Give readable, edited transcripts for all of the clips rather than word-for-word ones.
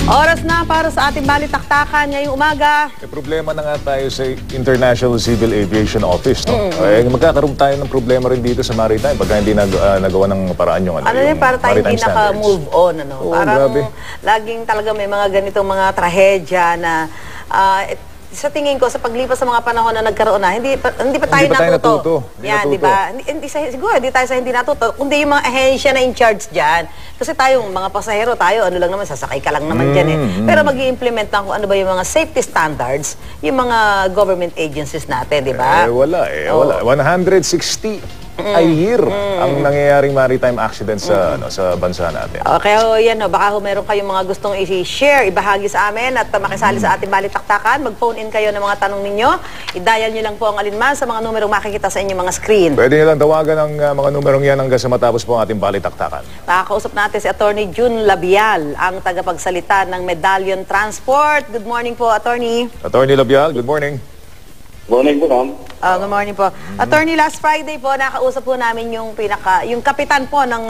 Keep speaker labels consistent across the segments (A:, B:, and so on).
A: Oras na para sa ating balitaktakan ngayong umaga.
B: May problema na nga tayo sa International Civil Aviation Office, no? Magkakaroon tayo ng problema rin dito sa maritime pagka hindi nagawa ng paraan yung
A: Ano para tayo hindi naka-move on, ano?
B: Oo,
A: parang
B: grabe.
A: laging talaga may mga ganitong mga trahedya na sa tingin ko, sa paglipas sa mga panahon na nagkaroon na, hindi pa tayo natuto. Yan, di ba? Siguro, hindi tayo sa hindi natuto, kundi yung mga ahensya na in charge dyan. Kasi tayong mga pasahero, ano lang naman, sasakay ka lang naman dyan eh. Pero mag-i-implement na kung ano ba yung mga safety standards, yung mga government agencies natin, di ba?
B: Wala. 160 a year ang nangyayaring maritime accident sa bansa natin.
A: Okay, yan, baka meron kayong mga gustong i-share, ibahagi sa amin at makisali sa ating balitaktakan. Mag-phone in kayo ng mga tanong ninyo. I-dial nyo lang po ang alinman sa mga numerong makikita sa inyong mga screen.
B: Pwede nyo lang tawagan ang mga numerong yan hanggang sa matapos po ang ating balitaktakan.
A: Nakakausap natin si Attorney June Labial, ang tagapagsalita ng Medallion Transport. Good morning po, Attorney.
B: Attorney Labial, good morning.
C: Good morning po, ma'am.
A: Good morning po. Attorney, last Friday po, nakausap po namin yung kapitan po ng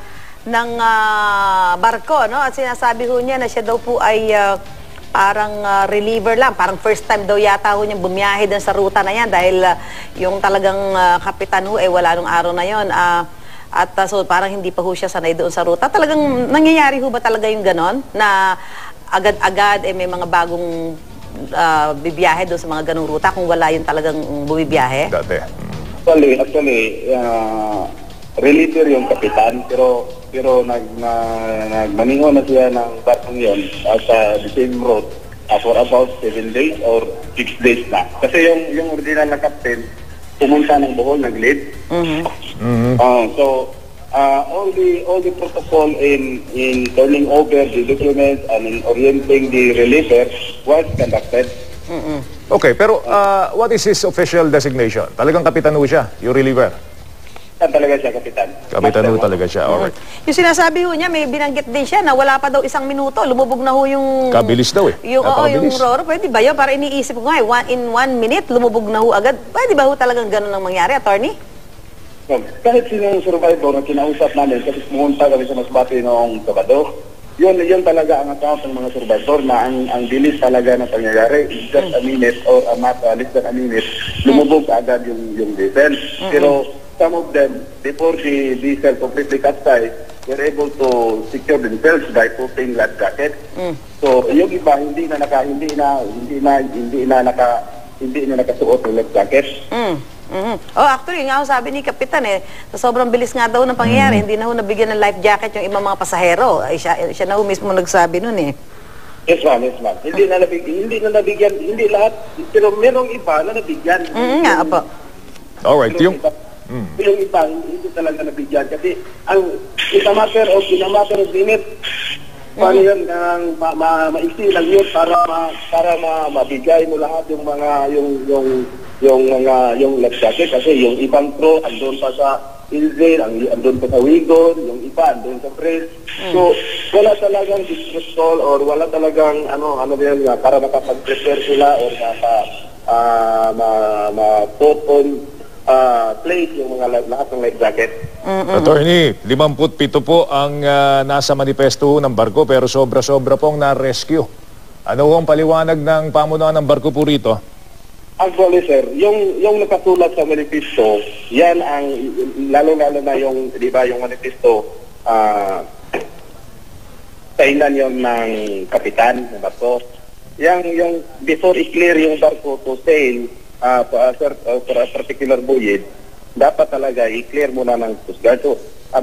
A: barko, no? At sinasabi ho niya na siya daw po ay parang reliever lang. Parang first time daw yata ho niyang bumiyahe din sa ruta na yan dahil yung talagang kapitan ho wala nung araw na yon. So parang hindi pa ho siya sanay doon sa ruta. Talagang nangyayari ho ba talaga yung ganon? Na agad-agad may mga bagong bibiyahe doon sa mga ganong ruta kung wala yung talagang bumibiyahe?
B: Dati.
C: Actually, reliever yung kapitan, pero nagmaningo na siya ng barkong yun sa the same route for about 7 days or 6 days na. Kasi yung original na captain, pumunta ng Bohol, nag-lead. So, all the protocol in turning over the documents and in orienting the reliever was conducted.
B: Okay, pero what is his official designation? Talagang kapitan ho siya, yung reliever?
C: Talaga siya, kapitan.
B: Kapitan ho talaga siya, alright.
A: Yung sinasabi ho niya, may binanggit din siya na wala pa daw 1 minuto, lumubog na ho yung...
B: Kabilis daw eh.
A: Yung roro, pwede ba yun? Para iniisip ko nga in 1 minute, lumubog na ho agad. Pwede ba ho talagang ganun ang mangyari, Attorney?
C: Kahit sinong survivor na kinausap namin, kasi pumunta kami sa Masbate noong Sabado, yun talaga ang account ng mga survivor na ang bilis talaga na pangyayari is just a minute or less than a minute, lumubog agad yung diesel. Pero some of them, before the diesel completely capsized, were able to secure themselves by putting life jacket. So yung iba hindi na nakasuot ng life jacket.
A: Actually, nga sabi ni Kapitan sa sobrang bilis nga daw ng pangyayari, hindi na ho nabigyan ng life jacket yung ibang mga pasahero. Siya na ho mismo nagsabi nun eh.
C: Yes, ma'am. Hindi na nabigyan, hindi lahat, pero merong iba na nabigyan.
A: Nga, apo.
B: Alright, yung
C: iba, hindi talaga nabigyan. Kasi in a matter of minutes, paano yun, maiksi lang yun para mabigay mo lahat yung mga, yung life jacket. Kasi yung ibang crew, andun pa sa Ilzane, andun pa sa Wigon, yung iba, andun sa Press. So, wala talagang distress call or wala talagang, para makapag-prepare sila or ma-put on place yung mga lahat ng life jacket.
B: Attorney, 57 po ang nasa manifesto ng barko pero sobra-sobra pong na-rescue. Ano ang paliwanag ng pamunuan ng barko po rito?
C: Actually, sir, yung nakasulat sa manifesto, yan ang lalo-lalo na yung, di ba, yung manifesto, kainan yon ng kapitan ng barko. Yung before i-clear yung barko to sail for a particular voyage, dapat talaga i-clear muna ng Coast Guard. So,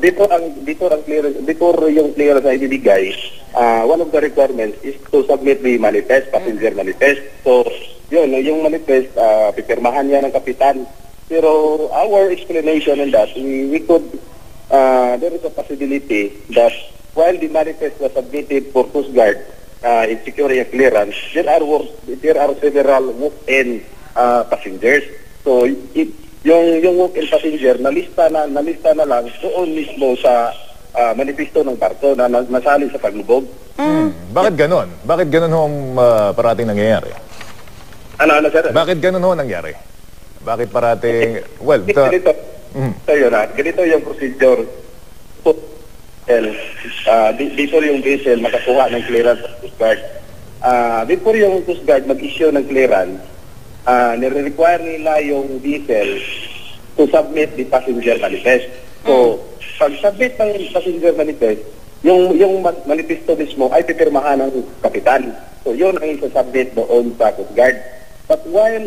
C: before yung clearance na ibibigay, one of the requirements is to submit the manifest, passenger manifest. So, yun, yung manifest, pipirmahan niya ng kapitan. Pero our explanation on that, we could, there is a possibility that while the manifest was submitted for Coast Guard in securing a clearance, there are several walk-in passengers. So, yung walk-in passenger, nalista na lang doon mismo sa manifesto ng barko na nasali sa paglubog.
B: Bakit ganon? Bakit ganon ho ang parating nangyayari?
C: Ano, sir?
B: Bakit ganon ho nangyari? Bakit parating... Well,
C: ganito yung procedure. before yung vessel makakuha ng clearance sa Coast Guard, before yung Coast Guard mag-issue ng clearance, nire-require nila yung vessel to submit the passenger manifest. So, pag-submit ng passenger manifest, yung manifesto mismo ay pipirmahan ng kapitan. So, yun ang isa-submit doon sa Coast Guard. But while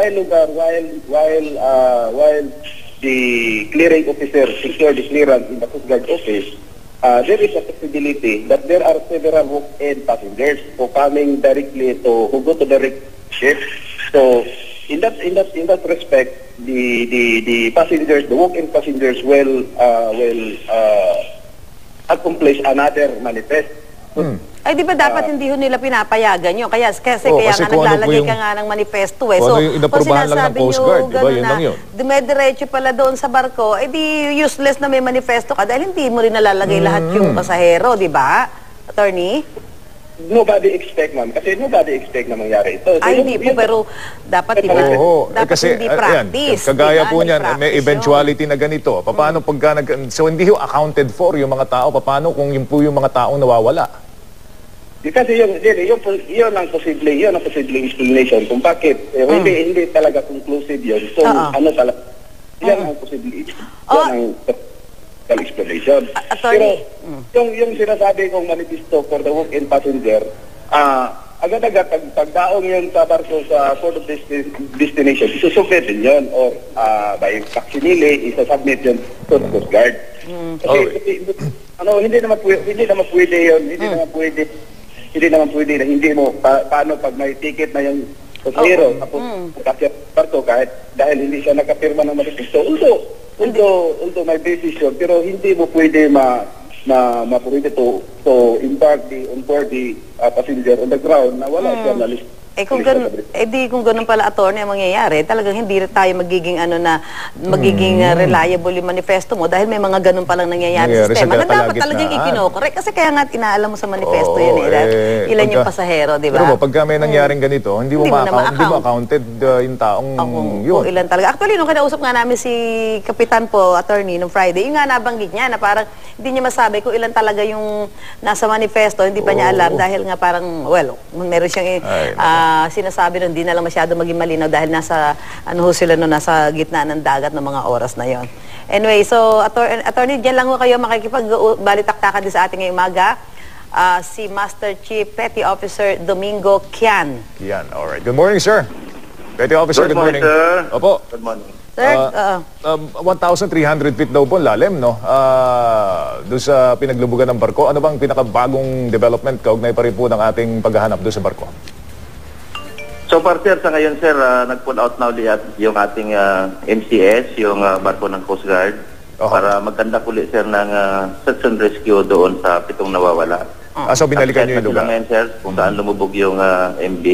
C: the clearing officer secure the clearance in the Coast Guard office, there is a possibility that there are several walk-in passengers who coming directly who go to direct ship. So in that respect, the passengers, the walk-in passengers will accomplish another manifest.
A: Ay, di ba dapat hindi ho nila pinapayagan yun? Kasi
B: kasi
A: nga
B: kung ano po
A: naglalagay
B: yung-
A: ka nga ng manifesto eh.
B: kung
A: So,
B: ano yung inaprubahan lang ng
A: sinasabi
B: Coast
A: nyo
B: Guard, di ba?
A: ganun
B: Yun
A: na
B: lang yun.
A: dumediretso pala doon sa barko, eh di useless na may manifesto ka dahil hindi mo rin nalalagay lahat yung pasahero, di ba? Attorney?
C: Nobody expect, ma'am. Kasi nobody expect na mangyari ito. So,
A: Ay, hindi po, pero dapat, di ba?
B: Oo,
A: Dapat
B: kasi
A: hindi
B: ayan,
A: practice.
B: kagaya
A: di ba?
B: po niyan,
A: Hindi
B: may
A: practice
B: eventuality na ganito. Paano pagka so hindi ho accounted for yung mga tao, paano kung yun po yung mga taong nawawala?
C: Kasi yun ang posible explanation kung bakit hindi talaga conclusive yun. So ano talaga yan ang posible yan ang explanation.
A: Attorney.
C: Pero yung sinasabi kong manifesto for the walk-in passenger, agad-agad pagdaong yun sa barko sa port of destination, isusubmit din yun or by facsimile, isasubmit yun to the Coast Guard. Kasi hindi naman pwede yun, hindi naman pwede na hindi mo paano pag may ticket na yung pasahero tapos kasi barko kahit dahil hindi siya nakapirma ng manifesto, although may basis yun, pero hindi mo pwede pwede to embark onboard the passenger on the ground na wala siya na list.
A: kung ganun pala, attorney, ang mangyayari, talagang hindi tayo magiging magiging reliable yung manifesto mo dahil may mga ganun palang nangyayari sa sistema. Na dapat talagang ikinokorek kasi kaya nga inaalam mo sa manifesto yun ilan yung pasahero, di ba?
B: Pero pagka may nangyaring ganito, hindi mo accounted yung taong yun.
A: Kung ilan talaga. Actually, nung kinausap nga namin si Kapitan po, attorney, nung Friday, yung nga nabanggit niya na parang hindi niya masabi kung ilan talaga yung nasa manifesto, hindi pa niya alam dahil nga parang, meron siyang sinasabi nun, hindi na lang masyado maging malinaw dahil nasa gitna ng dagat ng mga oras na yon. Anyway, so attorney, dyan lang ho kayo makikipagbalitaktakan din sa ating ngayong umaga. Si Master Chief Petty Officer Domingo Kian.
B: Kian, alright. Good morning, sir. Petty Officer, good morning.
C: Sir.
B: Opo.
C: Good morning.
A: Sir,
B: 1,300 feet daw po lalim, no? Doon sa pinaglubugan ng barko. Ano bang pinakabagong development kaugnay pa rin po ng ating paghahanap doon sa barko?
D: So far, sir, sa ngayon, sir, nag-pull out na ulit yung ating MCS, yung barko ng Coast Guard, para magkandak ulit, sir, ng search and rescue doon sa 7 nawawala.
B: So binalikan nyo yung lugar?
D: Ngayon, sir, kung saan lumubog yung MV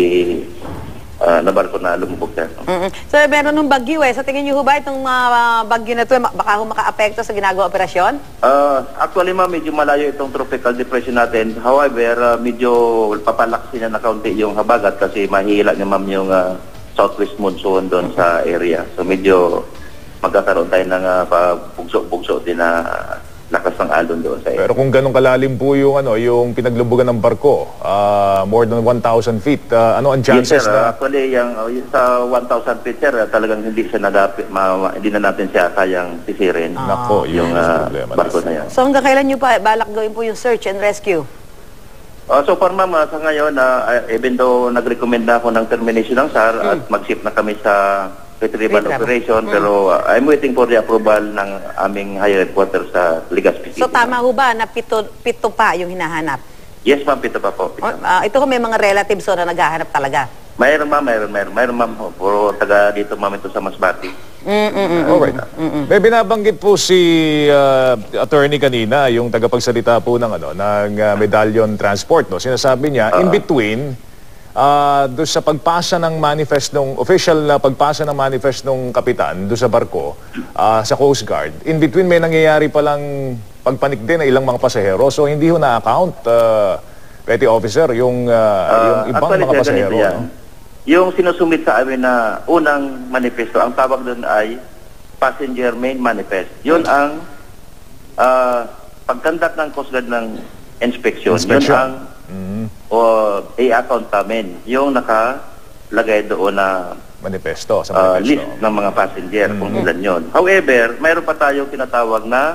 D: na barko na lumubog, sir.
A: So, meron nung bagyo sa tingin niyo ho ba itong bagyo na ito, baka ho maka-apekto sa ginagawa operasyon?
D: Actually, ma'am, medyo malayo itong tropical depression natin. However, medyo papalaksi na kaunti yung habagat kasi mahihila niya, ma'am, yung southwest monsoon doon sa area. So, medyo magkakaroon tayo ng bugso-bugso din na lakas ng alon doon sa area.
B: Pero kung ganun kalalim po yung yung pinaglubugan ng barko, more than 1,000 feet, ano ang chances
D: yes, sir.
B: na?
D: Actually, yung sa 1,000 feet, sir, talagang hindi siya hindi na natin siya kayang sisirin.
B: Nako,
D: yung barko na yan.
A: So, hanggang kailan niyo pa balak gawin po yung search and rescue?
D: So far, ma'am, sa ngayon, even though nag-recommend na ako ng termination ng SAR at mag-ship na kami sa retrieval operation, pero I'm waiting for the approval ng aming higher headquarters sa Legazpi City.
A: So, tama ho ba na pito pa yung hinahanap?
D: Yes, ma'am, pito pa po.
A: Ito ho, may mga relatives na naghahanap talaga?
D: Mayroon, ma'am. Puro taga dito, ma'am, ito sa Masbate.
B: Alright. May binabanggit po si attorney kanina, yung tagapagsalita po ng Medallion Transport, no? Sinasabi niya, in between doon sa pagpasa ng manifest ng official na pagpasa ng manifest ng kapitan doon sa barko sa Coast Guard, in between may nangyayari palang pagpanik din ng ilang mga pasahero, so hindi ho na-account Petty Officer yung ibang
D: actually,
B: mga pasahero, no?
D: Yung sinusumit sa amin na unang manifesto, ang tawag doon ay passenger main manifest. Yun ang pagkandak ng Coast Guard ng inspection, yun
B: Inspection.
D: ang i-account namin. Yung nakalagay doon na
B: Manifesto sa manifesto.
D: list ng mga passenger kung ilan yun. However, mayroon pa tayong tinatawag na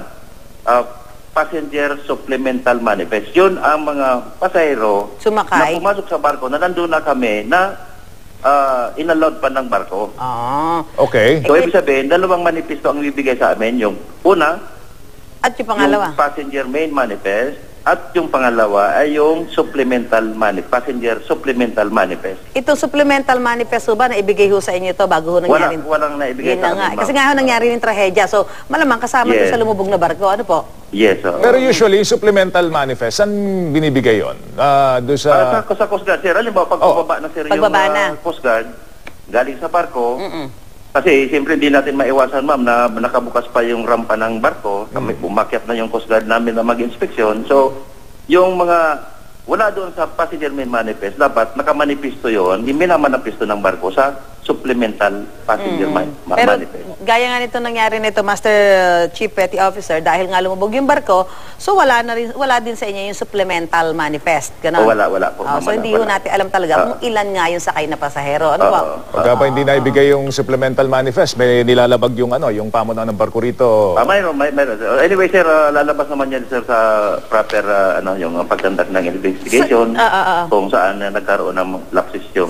D: passenger supplemental manifest. Yun ang mga pasahero
A: Sumakay.
D: na pumasok sa barko na nandun na kami na inallowed pa ng barko.
A: Ah.
B: Okay.
D: So, ibig sabihin, dalawang manifesto ang ibibigay sa amin. Yung una,
A: At yung pangalawa?
D: yung passenger main manifest, at yung pangalawa ay yung passenger supplemental manifest.
A: Ito supplemental manifesto ba na ibigay ho sa inyo to bago ho nangyari?
D: Walang naibigay
A: Yun na
D: sa
A: nga.
D: amin,
A: Kasi
D: ma'am.
A: nga ho nangyari yung trahedya. So, malamang kasama
D: Yes.
A: doon sa lumubog na barko. Ano po?
D: Yes.
B: Pero usually, supplemental manifest, saan binibigay yun? Doon sa...
D: Sa Coast Guard, sir, halimbawa, pag baba na, sir,
A: Pagbaba
D: yung
A: na.
D: Coast Guard, galing sa barko, kasi siyempre hindi natin maiwasan, ma'am, na nakabukas pa yung rampa ng barko, kami umakyat na yung Coast Guard namin na mag-inspeksyon. So, yung mga wala doon sa passenger main manifest, dapat nakamanipisto yun, minamanifesto ng barko sa supplemental passenger
A: Pero
D: manifest.
A: gaya nga nito nangyari nito, Master Chief Petty Officer, dahil nga lumubog yung barko, so wala din sa inyo yung supplemental manifest. Ganon?
D: Wala po.
A: So hindi ho natin alam talaga kung ilan nga yung sakay na pasahero. Ano po?
B: Pagka pa hindi naibigay yung supplemental manifest, may nilalabag yung yung pamunan ng barko rito.
D: Mayroon. Anyway, sir, lalabas naman yan, sir, sa proper, yung pagkandak ng investigation, kung saan nagkaroon ng lapses yung,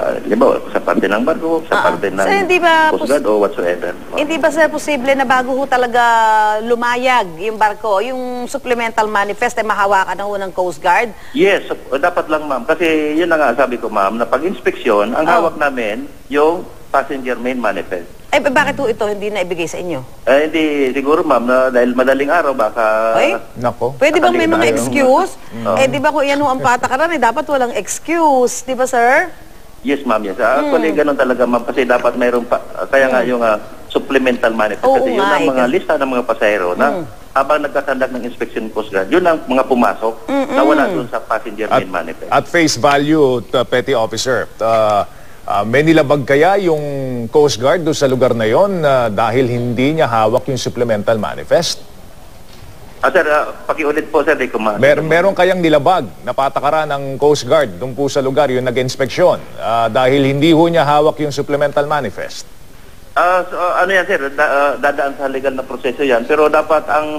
D: sa parte ng barko, sa parte ng
A: Sir, hindi ba
D: Coast Guard o whatsoever.
A: Hindi ba sir posible na bago ho talaga lumayag yung barko, yung supplemental manifest ay mahawakan na ho ng Coast Guard?
D: Yes, dapat lang, ma'am. Kasi yun na nga sabi ko, ma'am, na pag-inspeksyon, ang hawak namin yung passenger main manifest.
A: Eh, bakit ho ito hindi na ibigay sa inyo?
D: Hindi, siguro, ma'am, na dahil madaling araw, baka...
A: Ay?
B: Nako.
A: Pwede bang may mga
D: Tayo.
A: excuse? Eh, di ba kung yan ho ang patakaran, dapat walang excuse. Di ba, sir?
D: Yes, ma'am, yes. Actually, ganun talaga, ma'am, kasi dapat mayroon pa, kaya nga yung supplemental manifest.
A: Oo
D: Kasi yun
A: nga,
D: ang mga
A: kasi-
D: lista ng mga pasahero na habang nagkakandak ng inspection Coast Guard, yun ang mga pumasok na wala doon sa passenger main manifest.
B: At face value, Petty Officer, may nilabag kaya yung Coast Guard doon sa lugar na yon dahil hindi niya hawak yung supplemental manifest?
D: Sir, pakiulit po, sir, di ko
B: Meron kayang nilabag na patakaran ng Coast Guard doon po sa lugar yung nag-inspeksyon dahil hindi ho niya hawak yung supplemental manifest?
D: ano yan, sir, dadaan sa legal na proseso yan, pero dapat ang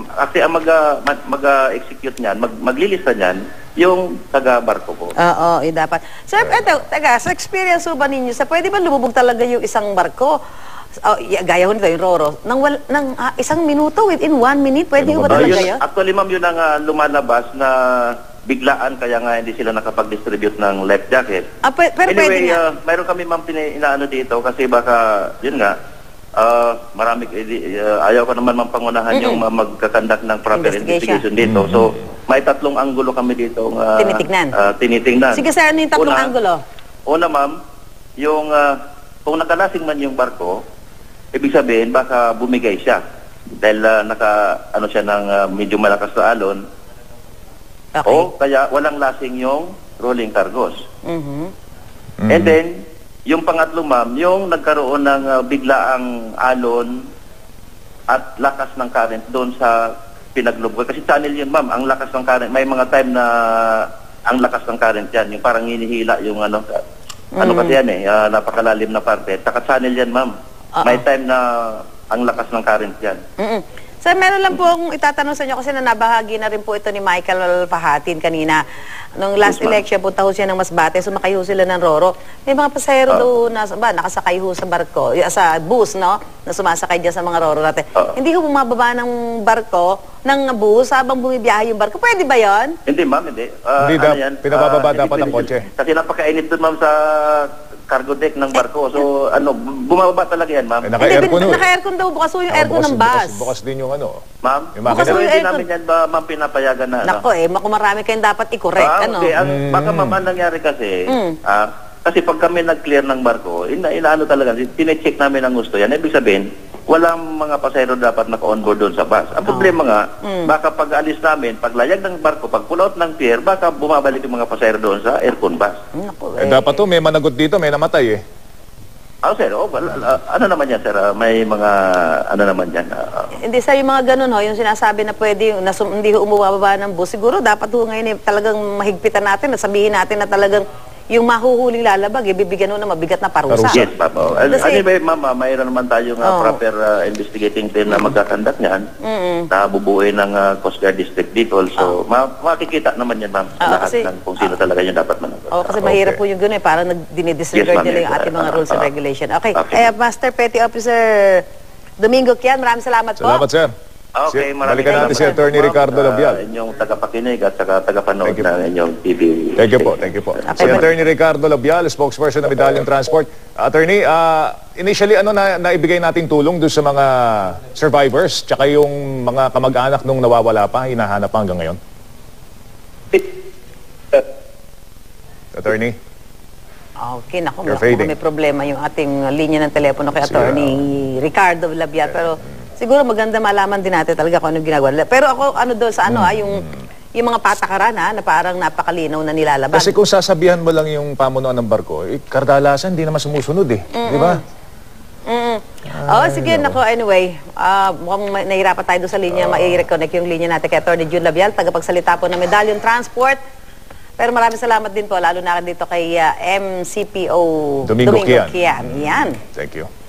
D: mag-execute niyan, maglilista niyan, yung taga-barko po.
A: Oo, dapat. Sir, eto, sa experience ho ba ninyo, pwede ba lumubog talaga yung isang barko? Gaya ho nito, yung Roro, ng isang minuto, within 1 minute, pwede ho ba talaga yun?
D: Actually, ma'am, yun ang lumalabas na biglaan, kaya nga hindi sila nakapag-distribute ng life jacket.
A: Pero pwede
D: Anyway,
A: nga.
D: mayroon kami, ma'am, inaano dito kasi baka, yun nga, ayaw ko naman pangunahan yung magkakandak ng proper investigation dito. So, may 3 anggulo kami dito tinitingnan.
A: Sige sir, ano yung 3 anggulo?
D: Una, ma'am, yung kung nakalasing man yung barko, ibig sabihin baka bumigay siya dahil naka siya ng medyo malakas na alon.
A: Okay.
D: O kaya walang lasing yung rolling cargos. And then, yung pangatlo, ma'am, yung nagkaroon ng biglaang alon at lakas ng current doon sa pinaglubog. Kasi channel yun, ma'am, ang lakas ng current. May mga time na ang lakas ng current yan, yung parang hinihila yung kasi yan napakalalim na parte. Saka channel yan, ma'am. May time na ang lakas ng current yan.
A: Sir, meron lang po akong itatanong sa inyo kasi nabahagi na rin po ito ni Michael Fahatin kanina. Nung last election, punta ho siya ng Masbate, sumakay ho sila ng Roro. May mga pasahero doon na nakasakay ho sa barko, sa bus, no? Na sumasakay dyan sa mga Roro natin. Hindi ho bumababa ng barko, ng bus, habang bumibiyahe yung barko. Pwede ba yon?
D: Hindi, ma'am, hindi.
B: Hindi pinabababa dapat ang kotse.
D: Kasi napakainit doon, ma'am, sa cargo deck ng barko. So, bumababa talaga yan, ma'am.
B: Naka-aircon
A: Naka-aircon daw, bukas ho yung aircon ng bus.
B: Bukas din yung
D: Ma'am,
B: yung makina.
D: pero hindi namin yan ba, ma'am, pinapayagan na,
A: Nako kung marami kayong dapat i-correct, ano?
D: Okay. Baka, ma'am, ang nangyari kasi, kasi pag kami nag-clear ng barko, inaano talaga, tine-check namin ang gusto yan. Ibig sabihin, walang mga pasahero dapat naka-onboard doon sa bus. Ang problema nga, baka pag-alis namin, paglayag ng barko, pag pull out ng pier, baka bumabalik yung mga pasahero doon sa aircon bus.
A: Naku,
B: Dapat may managot dito, may namatay
D: Sir, ano naman yan, sir? May mga, ano naman yan?
A: Hindi sir, yung mga ganun ho, yung sinasabi na pwede, hindi ho umubaba ng bus, siguro dapat ho ngayon talagang mahigpitan natin, sabihin natin na talagang yung mahuhuling lalabag, bibigyan ho na mabigat na parusa.
D: Yes, ma'am. Anyway, ma'am, mayroon naman tayong proper investigating team na magkakandak niyan, na bubuuin ng Coast Guard District Bicol. So, makikita naman yan, ma'am, lahat ng kung sino talaga yung dapat managot.
A: Kasi mahirap po yung gano'n, parang dinidisregard nila yung ating mga rules and regulation. Okay. Master Petty Officer Domingo Kian, maraming salamat po.
B: Salamat, sir.
D: Okay, maraming
B: Balikan natin si Attorney Ricardo Labial.
D: Inyong tagapakinig at saka tagapanood ng inyong TV.
B: Thank you po, thank you po. Si Attorney Ricardo Labial, spokesperson ng Medallion Transport. Attorney, initially ano na naibigay nating tulong doon sa mga survivors tsaka yung mga kamag-anak nung nawawala pa, hinahanap pa hanggang ngayon? Attorney?
A: Okay, naku, may problema yung ating linya ng telepono kay Attorney Ricardo Labial. Pero siguro maganda malaman din natin talaga kung anong ginagawa nila. Pero ako, ano doon sa yung mga patakaran na parang napakalinaw na nilalaban.
B: Kasi kung sasabihan mo lang yung pamunuan ng barko, kardalasan, hindi naman sumusunod di ba?
A: Sige, nako, anyway, mukhang nahirapan tayo doon sa linya, mai-reconnect yung linya natin kay Attorney June Labial, tagapagsalita po ng Medallion Transport. Pero maraming salamat din po, lalo na dito kay MCPO
B: Domingo Kian.
A: Yan.
B: Thank you.